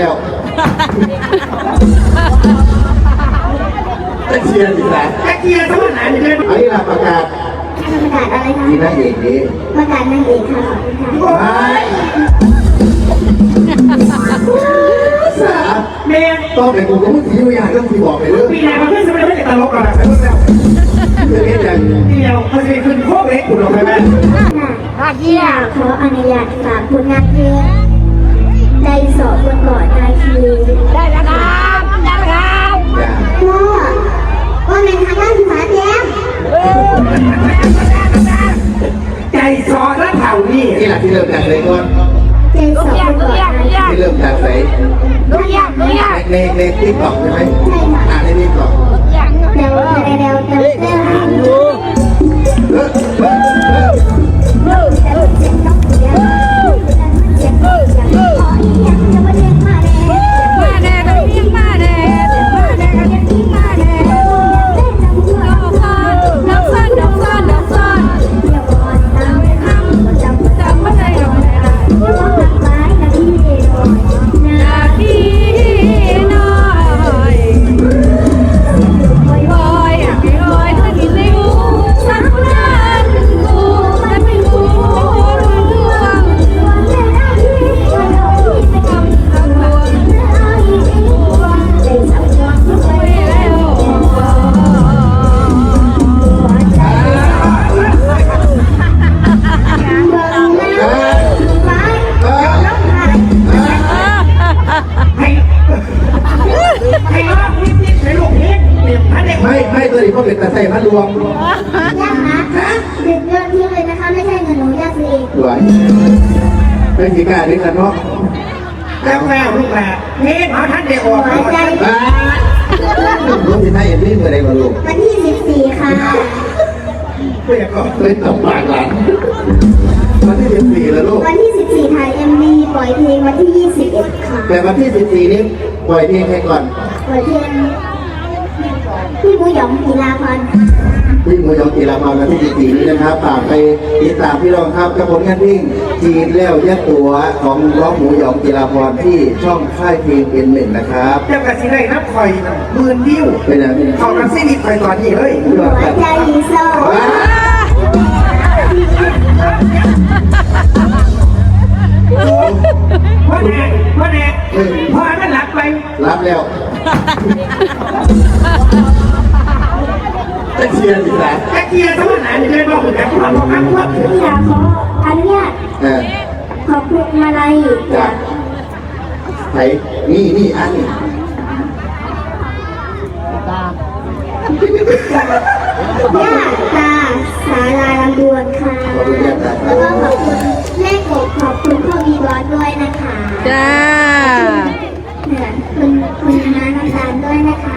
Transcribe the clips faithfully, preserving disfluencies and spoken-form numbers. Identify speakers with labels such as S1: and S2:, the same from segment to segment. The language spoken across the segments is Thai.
S1: แล้วตะเชียร์สิครับ
S2: ตะเกียร์สวรรค์ไหนเนี่ย
S1: อันนี้เราประกาศ
S3: ประกาศอะไรคะ
S1: ที่นางเอกนี้
S3: ประกาศนางเอกค่ะขอบคุณค่ะ
S1: สา
S2: เมย์
S1: ต้องเป็นกูก็มึงที่อยู่อย่างเรื่องที่บอกไปเรื่อง
S2: ปีไหนมาขึ้นสมัยไม่ได้ตลกหรอกนะไปเพิ่งแล้ว
S1: เรื่องนี้อย่าง
S2: เดียวเขาจะขึ้นโคกเล็กคุณลงไปไหม
S3: ที่อยากขออนุญาตฝากผลงานเพลงใจสอบบนเกาะนาคี
S4: ได้แล้วครับได้แล้วครับ
S3: พ่อว่าเป็นทางด้านภาษาแย้ม
S2: ใจซอแล้วเผานี่
S1: ที่หลักที่เริ่มจากเลยก่อน
S3: ใจสอบบนเกาะนาคี
S1: ที่เริ่มจากไหน
S4: ลูกยากลูกยาก
S1: ในในติ๊กต็อกใช่ไหมอ่านในติ๊กต็อก
S3: เดาเดาเดาเดาเดา
S1: เออเออเออ
S4: มาแน่ต้องเลี้ยงมาแน่มาแน่ก็เลี้ยงมาแน่น้ำซ้อนน้ำซ้อนน้ำซ้อนจำไม่ได้หรอกนาทีน้อยบอยบอยบอยเธอกินเลยกูสักวันกูจะไม่กูรู้ดวงคำคำวอนไปแล้ว
S2: ให้ให้รอบนิดนิดให้ลูกเล็กเดี๋ยวพันเด็ก
S1: ไม่ไม่ตัวนี้เขาเป็นตาใส่พัดรวม
S3: ยากนะเด็กเงินทิ้งเลยนะคะไม่ใช่เงินหนูยากซื้อเอง
S1: สวยเป็นกีการด้วยกันเนาะ
S2: แล้วแม่ลูกแหละเฮ้ยเอาท่านเด็กออก
S3: หัวใจ
S1: ลูกที่ไทยเอ็นนี่เมื่อไรมาลูก
S3: วันที่สิบสี่ค่ะ
S2: เพื่อนก็
S1: เคยตบปากหลานวันที่สิบสี่แล้วลูก
S3: วันที่สิบสี่ถ่ายเอ็มวีปล่อยเพลงวันที่ยี่สิบเอ็ดค่ะ
S1: แต่วันที่สิบสี่นี้ปล่อยเพลงให้ก่อน
S3: ปล่อยเพลงพี่มูหยองกีฬาพร
S1: พี่มูหยองกีฬาพรวันที่สิบสี่นี้นะครับฝากไปติดตามพี่รองครับกับผลงานเพลงจีนแล้วยัดตัวของร้องหมูหยองกีฬาพรที่ช่องค่ายเพลงเป็นหนึ่งนะครับ
S2: เจ้ากระสีได้นับคอยหมื่นวิว
S1: เป็นอะไร
S2: เขากันซีนิคอยตอนนี้เลย
S3: หัวใจโซ่
S2: พ่อแน่พ่อแน่พ่อนั่นหลับไป
S1: รับแล้วตะเชียร์สิครับ
S2: ตะเกียร์สวรรค์ไหนเนี่ยบอกแต่ความรักความรัก
S3: อยากขออนุญาตขอบคุณมาลัยจาก
S1: ไหนนี่นี่อันนี้
S3: ย่าตาสาลาลำดวนค่ะแล้วก็ขอบคุณแม่กบขอบคุณพ่อวีบอสด้วยนะคะ
S4: จ้า
S3: คุณคุณน้าน้ำตาลด้วยนะคะ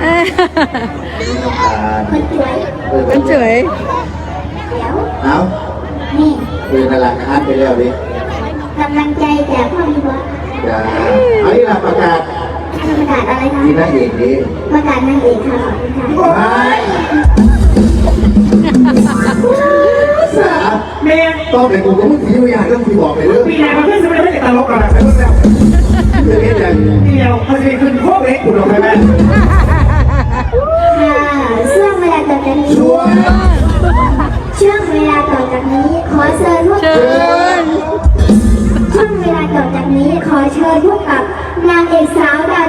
S3: คุณสวย
S4: คุณสวย
S3: เดี๋ยว
S1: เอา
S3: นี่
S1: คือนาราคาไปแล้วดิ
S3: กำลังใจจากพ่อวีบอส
S1: จ้าอันนี้เราประกาศ
S3: ประกาศอะไรคะ
S1: ที่นางเอกนี้
S3: ประกาศนางเอกค่ะขอบคุณค่ะ
S1: สา
S2: เมย์
S1: ต้องเป็นกูก็มึงที่อยู่อย่างเรื่องที่บอกไปเรื่อง
S2: ปีไหนมาขึ้นสมัยไม่ได้ตลกหรอกนะไปเพิ่งแล้ว
S1: เรื่องนี้อย่าง
S2: เดียวเขาจะขึ้นโคกเล็กคุณลงไปไหม
S3: ค่ะช่วงเวลาต่อจากนี้
S1: ช่วง
S3: ช่วงเวลาต่อจากนี้ขอเชิญพวกช่วงเวลาต่อจากนี้ขอเชิญพวกกับนางเอกสาวดา